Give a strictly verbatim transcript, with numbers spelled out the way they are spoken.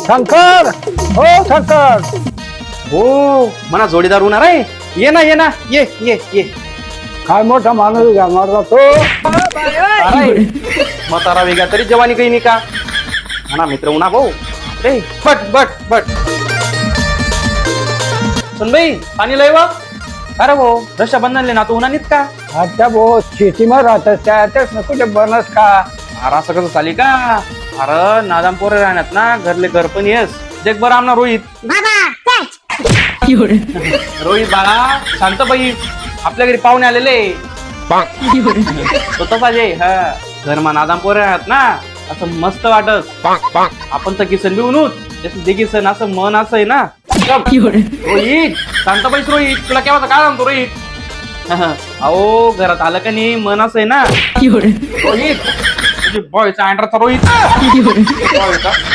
शंकर हो शंकर हो म्हणा जोडीदार होणार आहे. ये ना ये ना ये ये ये काय मोठा माणूस घालणार जातो. अरे, म्हातारा वेगळा तरी जवानी काही नाही का म्हणा मित्र उन्हा भाऊ रे बट बट बट सुन भाई पाणी लय वा. अरे भाऊ रक्षाबंधनले ना तू उन्हा नित का आता भाऊ शेतीमध्ये राहतात त्यातच ना कुठे बनस का. अरे असं कसं चाली का. अरे नादाम पोरे राहण्यात ना घरले घर पण येस देख बरं आमना रोहित रोहित बाळा शांत बाई आपल्या घरी पाहुणे आलेले स्वतः पाहिजे हा घरमा नादाम पोरे राहत ना असं मस्त वाटत आपण तर किसन बी उनूत दे किसन असं मन असं आहे ना. रोहित शांत पाहिजे रोहित तुला केव्हा काय सांगतो रोहित अहो घरात आलं का नाही मन असं आहे ना. रोहित बॉयचा अँड्राचा रोहित